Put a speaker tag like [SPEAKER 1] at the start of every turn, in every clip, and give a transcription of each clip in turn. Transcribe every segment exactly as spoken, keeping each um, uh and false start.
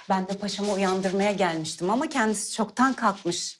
[SPEAKER 1] Ben de paşamı uyandırmaya gelmiştim ama kendisi çoktan kalkmış.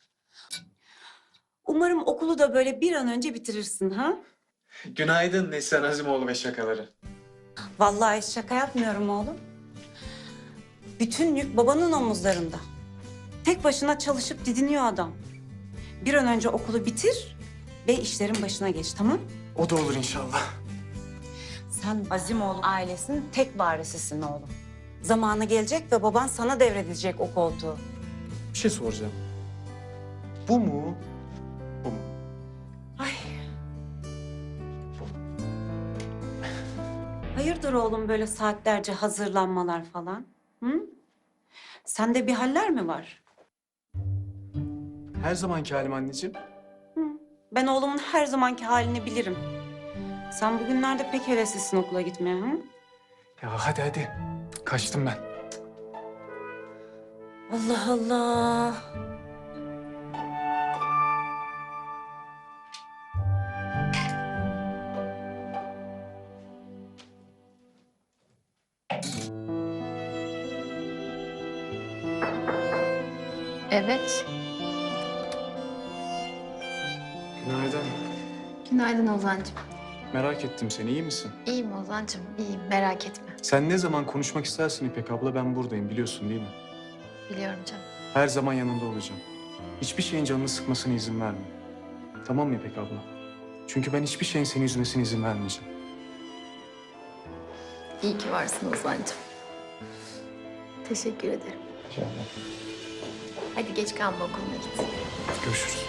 [SPEAKER 1] Umarım okulu da böyle bir an önce bitirirsin ha?
[SPEAKER 2] Günaydın Neslihan Azimoğlu ve şakaları.
[SPEAKER 1] Vallahi şaka yapmıyorum oğlum. Bütün yük babanın omuzlarında. Tek başına çalışıp didiniyor adam. Bir an önce okulu bitir ve işlerin başına geç, tamam?
[SPEAKER 2] O da olur inşallah.
[SPEAKER 1] Sen Azimoğlu ailesinin tek varisisin oğlum. Zamanı gelecek ve baban sana devredecek o koltuğu.
[SPEAKER 2] Bir şey soracağım. Bu mu? Bu mu?
[SPEAKER 1] Ay. Hayırdır oğlum böyle saatlerce hazırlanmalar falan? Hı? Sende bir haller mi var?
[SPEAKER 2] Her zamanki halim anneciğim.
[SPEAKER 1] Hı. Ben oğlumun her zamanki halini bilirim. Sen bugünlerde pek heveslisin okula gitmeye, hı?
[SPEAKER 2] Ya hadi hadi. Kaçtım ben.
[SPEAKER 1] Allah Allah.
[SPEAKER 3] Evet.
[SPEAKER 2] Günaydın.
[SPEAKER 3] Günaydın Ozan'cığım.
[SPEAKER 2] Merak ettim seni. İyi misin?
[SPEAKER 3] İyiyim Ozan'cığım, iyiyim. Merak etme.
[SPEAKER 2] Sen ne zaman konuşmak istersin İpek abla, ben buradayım biliyorsun değil mi?
[SPEAKER 3] Biliyorum canım.
[SPEAKER 2] Her zaman yanında olacağım. Hiçbir şeyin canını sıkmasına izin verme. Tamam mı İpek abla? Çünkü ben hiçbir şeyin seni üzmesine izin vermeyeceğim.
[SPEAKER 3] İyi ki varsın Ozan'cığım. Teşekkür ederim.
[SPEAKER 2] İnşallah.
[SPEAKER 3] Hadi geç kalma okuluna git.
[SPEAKER 2] Görüşürüz.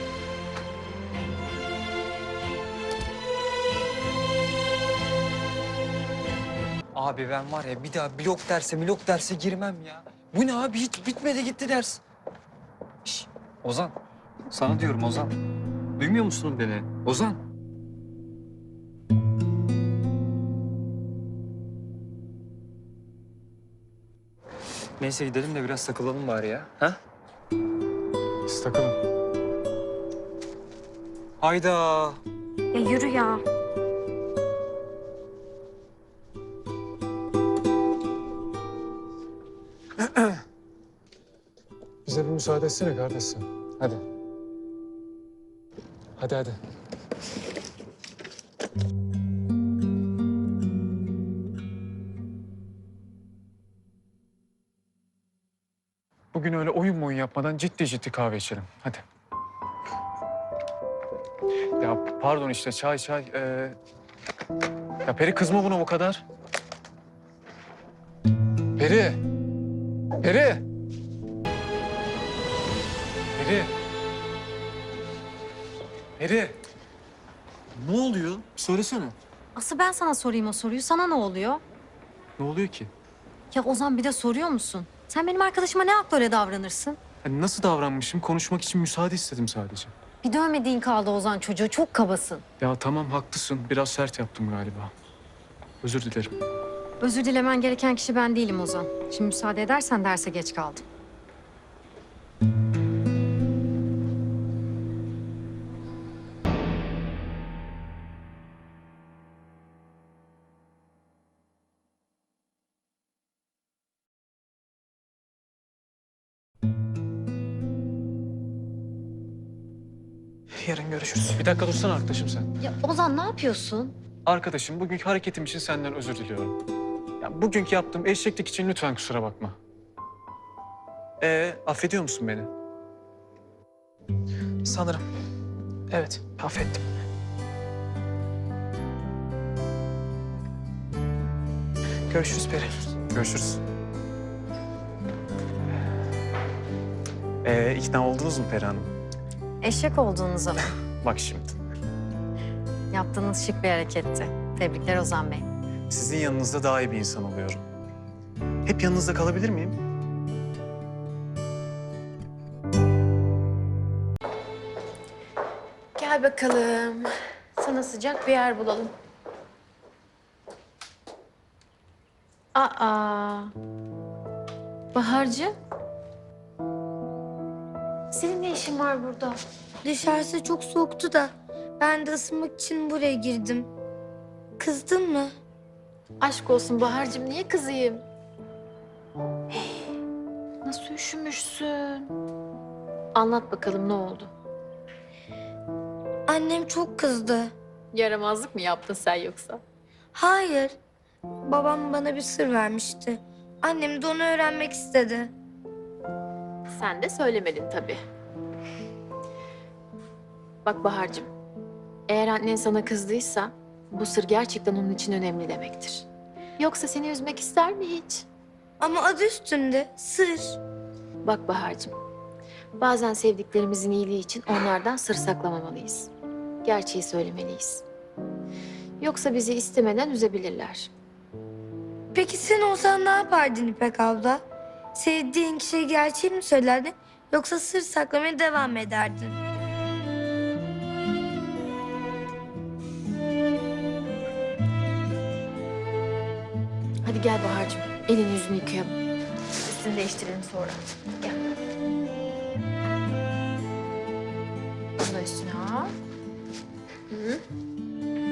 [SPEAKER 4] Abi ben var ya bir daha blok derse milok derse girmem ya. Bu ne abi, hiç bitmedi gitti ders. Şş, Ozan, sana diyorum Ozan. Duymuyor musun beni? Ozan. Neyse gidelim de biraz takılalım bari ya. Ha?
[SPEAKER 2] Biz takalım.
[SPEAKER 4] Hayda.
[SPEAKER 5] Ya yürü ya.
[SPEAKER 2] Bize bir müsaade etsene kardeş sen. Hadi. Hadi hadi. Bugün öyle oyun oyun yapmadan ciddi ciddi kahve içelim. Hadi. Ya pardon işte çay çay. Ee... Ya Peri kızma buna bu kadar. Peri. Peri. Peri. Peri. Ne oluyor? Söylesene.
[SPEAKER 5] Asıl ben sana sorayım o soruyu. Sana ne oluyor?
[SPEAKER 2] Ne oluyor ki?
[SPEAKER 5] Ya Ozan bir de soruyor musun? Sen benim arkadaşıma ne hakla öyle davranırsın?
[SPEAKER 2] Hani nasıl davranmışım? Konuşmak için müsaade istedim sadece.
[SPEAKER 5] Bir dövmediğin kaldı Ozan çocuğu. Çok kabasın.
[SPEAKER 2] Ya tamam haklısın. Biraz sert yaptım galiba. Özür dilerim.
[SPEAKER 5] Özür dilemen gereken kişi ben değilim Ozan. Şimdi müsaade edersen derse geç kaldım.
[SPEAKER 2] Yarın görüşürüz. Bir dakika dursana arkadaşım sen.
[SPEAKER 5] Ya Ozan ne yapıyorsun?
[SPEAKER 2] Arkadaşım bugünkü hareketim için senden özür diliyorum. Ya bugünkü yaptığım eşeklik için lütfen kusura bakma. Ee, affediyor musun beni?
[SPEAKER 6] Sanırım. Evet, affettim. Görüşürüz Peri.
[SPEAKER 2] Görüşürüz. Ee, ikna oldunuz mu Peri Hanım?
[SPEAKER 5] Eşek olduğunuz zaman.
[SPEAKER 2] Bak şimdi.
[SPEAKER 5] Yaptığınız şık bir hareketti. Tebrikler Ozan Bey.
[SPEAKER 2] Sizin yanınızda daha iyi bir insan oluyorum. Hep yanınızda kalabilir miyim?
[SPEAKER 3] Gel bakalım. Sana sıcak bir yer bulalım. Aa. Bahar'cığım. Senin ne işin var burada?
[SPEAKER 7] Dışarısı çok soğuktu da ben de ısınmak için buraya girdim. Kızdın mı?
[SPEAKER 3] Aşk olsun Bahar'cığım, niye kızayım? Hey, nasıl üşümüşsün? Anlat bakalım ne oldu?
[SPEAKER 7] Annem çok kızdı.
[SPEAKER 3] Yaramazlık mı yaptın sen yoksa?
[SPEAKER 7] Hayır. Babam bana bir sır vermişti. Annem de onu öğrenmek istedi.
[SPEAKER 3] Sen de söylemedin tabii. Bak Bahar'cığım, eğer annen sana kızdıysa bu sır gerçekten onun için önemli demektir. Yoksa seni üzmek ister mi hiç?
[SPEAKER 7] Ama adı üstünde sır.
[SPEAKER 3] Bak Bahar'cığım, bazen sevdiklerimizin iyiliği için onlardan sır saklamamalıyız. Gerçeği söylemeliyiz. Yoksa bizi istemeden üzebilirler.
[SPEAKER 7] Peki sen olsan ne yapardın İpek abla? Sevdiğin kişiye gerçeği mi söylerdin yoksa sır saklamaya devam mı ederdin?
[SPEAKER 3] Hadi gel Bahar'cığım, elini yüzünü yıkayalım. Üstünü değiştirelim sonra. Gel. Bunu da üstüne al. Hı.